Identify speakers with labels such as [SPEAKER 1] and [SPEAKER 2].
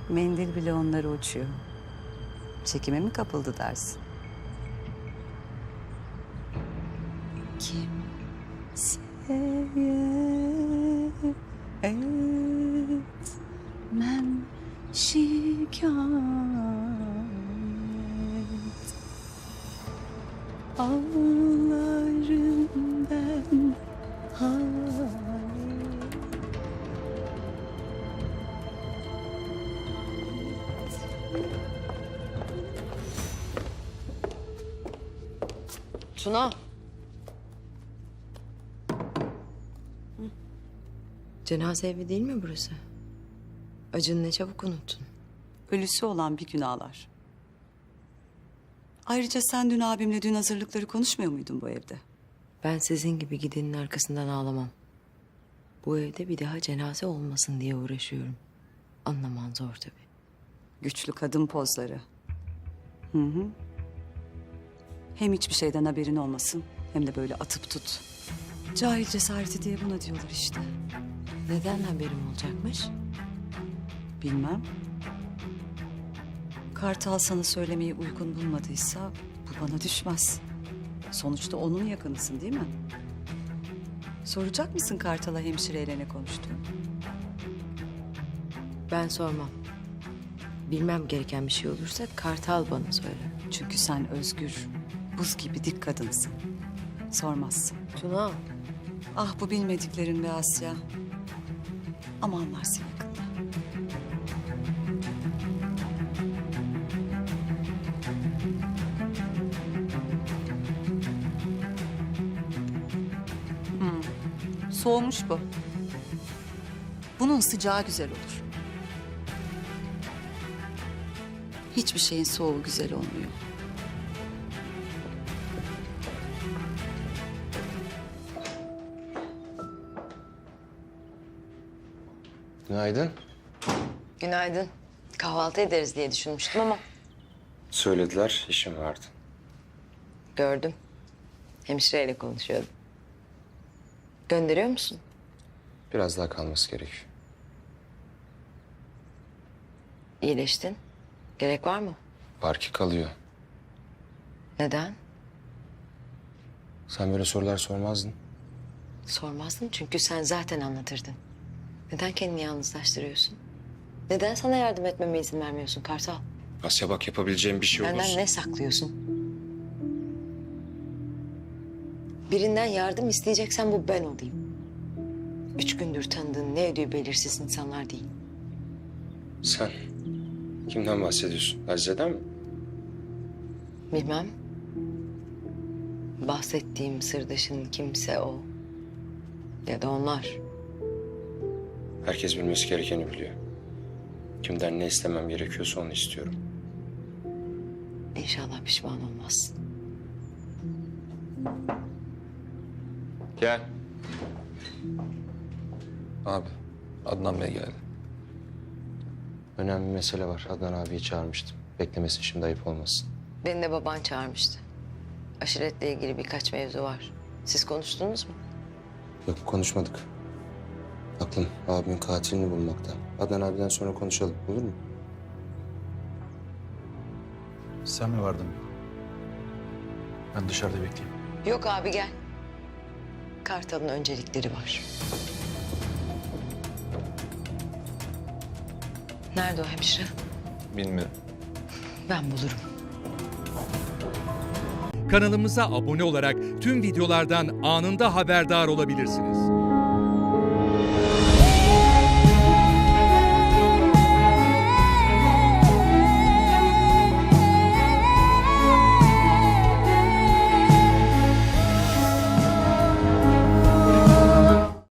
[SPEAKER 1] Mendil bile onlara uçuyor. Çekime mi kapıldı dersin? Kim etmem şikayet. Ağlarım ben hayır.
[SPEAKER 2] Tuna. Cenaze evi değil mi burası? Acını ne çabuk unuttun.
[SPEAKER 1] Ölüsü olan bir gün ağlar. Ayrıca sen dün abimle düğün hazırlıkları konuşmuyor muydun bu evde?
[SPEAKER 2] Ben sizin gibi gidenin arkasından ağlamam. Bu evde bir daha cenaze olmasın diye uğraşıyorum. Anlaman zor tabii.
[SPEAKER 1] Güçlü kadın pozları. Hı hı. Hem hiçbir şeyden haberin olmasın hem de böyle atıp tut. Cahil cesareti diye buna diyorlar işte.
[SPEAKER 2] Neden haberim olacakmış?
[SPEAKER 1] Bilmem. Kartal sana söylemeyi uygun bulmadıysa bu bana düşmez. Sonuçta onun yakınısın değil mi? Soracak mısın Kartal'a hemşireyle ne konuştuğunu?
[SPEAKER 2] Ben sormam. Bilmem gereken bir şey olursa Kartal bana söyler.
[SPEAKER 1] Çünkü sen özgür, buz gibi dik kadınsın. Sormazsın.
[SPEAKER 2] Tuna.
[SPEAKER 1] Ah bu bilmediklerin be Asya. Ama anlarsın yakında. Soğumuş bu. Bunun sıcağı güzel olur. Hiçbir şeyin soğuğu güzel olmuyor.
[SPEAKER 3] Günaydın.
[SPEAKER 2] Günaydın. Kahvaltı ederiz diye düşünmüştüm ama
[SPEAKER 3] Söylediler, işim vardı.
[SPEAKER 2] gördüm. Hemşireyle konuşuyordum. Gönderiyor musun?
[SPEAKER 3] Biraz daha kalması gerekiyor.
[SPEAKER 2] İyileştin. Gerek var mı?
[SPEAKER 3] Var ki kalıyor.
[SPEAKER 2] Neden?
[SPEAKER 3] Sen böyle sorular sormazdın.
[SPEAKER 2] Sormazdım çünkü sen zaten anlatırdın. Neden kendini yalnızlaştırıyorsun? Neden sana yardım etmeme izin vermiyorsun Kartal?
[SPEAKER 3] Asya bak yapabileceğim bir şey
[SPEAKER 2] Benden
[SPEAKER 3] olursa.
[SPEAKER 2] ne saklıyorsun? Birinden yardım isteyeceksen bu ben olayım. 3 gündür tanıdığın ne ödüğü belirsiz insanlar değil.
[SPEAKER 3] Sen kimden bahsediyorsun? Azize'den mi?
[SPEAKER 2] Bilmem. Bahsettiğim sırdaşın kimse o. Ya da onlar.
[SPEAKER 3] Herkes bilmesi gerekeni biliyor. Kimden ne istemem gerekiyorsa onu istiyorum.
[SPEAKER 2] İnşallah pişman olmazsın.
[SPEAKER 3] Gel.
[SPEAKER 4] Abi, Adnan Bey geldi.
[SPEAKER 3] Önemli bir mesele var. Adnan abiyi çağırmıştım. Beklemesin şimdi ayıp olmasın.
[SPEAKER 2] Beni de baban çağırmıştı. Aşiretle ilgili birkaç mevzu var. Siz konuştunuz mu?
[SPEAKER 3] Yok konuşmadık. Aklım abimin katilini bulmakta. Adnan abiden sonra konuşalım olur mu?
[SPEAKER 4] Sen mi vardın? Ben dışarıda bekleyeyim.
[SPEAKER 2] Yok abi gel. Kartal'ın öncelikleri var. Nerede o hemşire?
[SPEAKER 4] Bilmiyorum.
[SPEAKER 2] Ben bulurum.
[SPEAKER 5] Kanalımıza abone olarak tüm videolardan anında haberdar olabilirsiniz.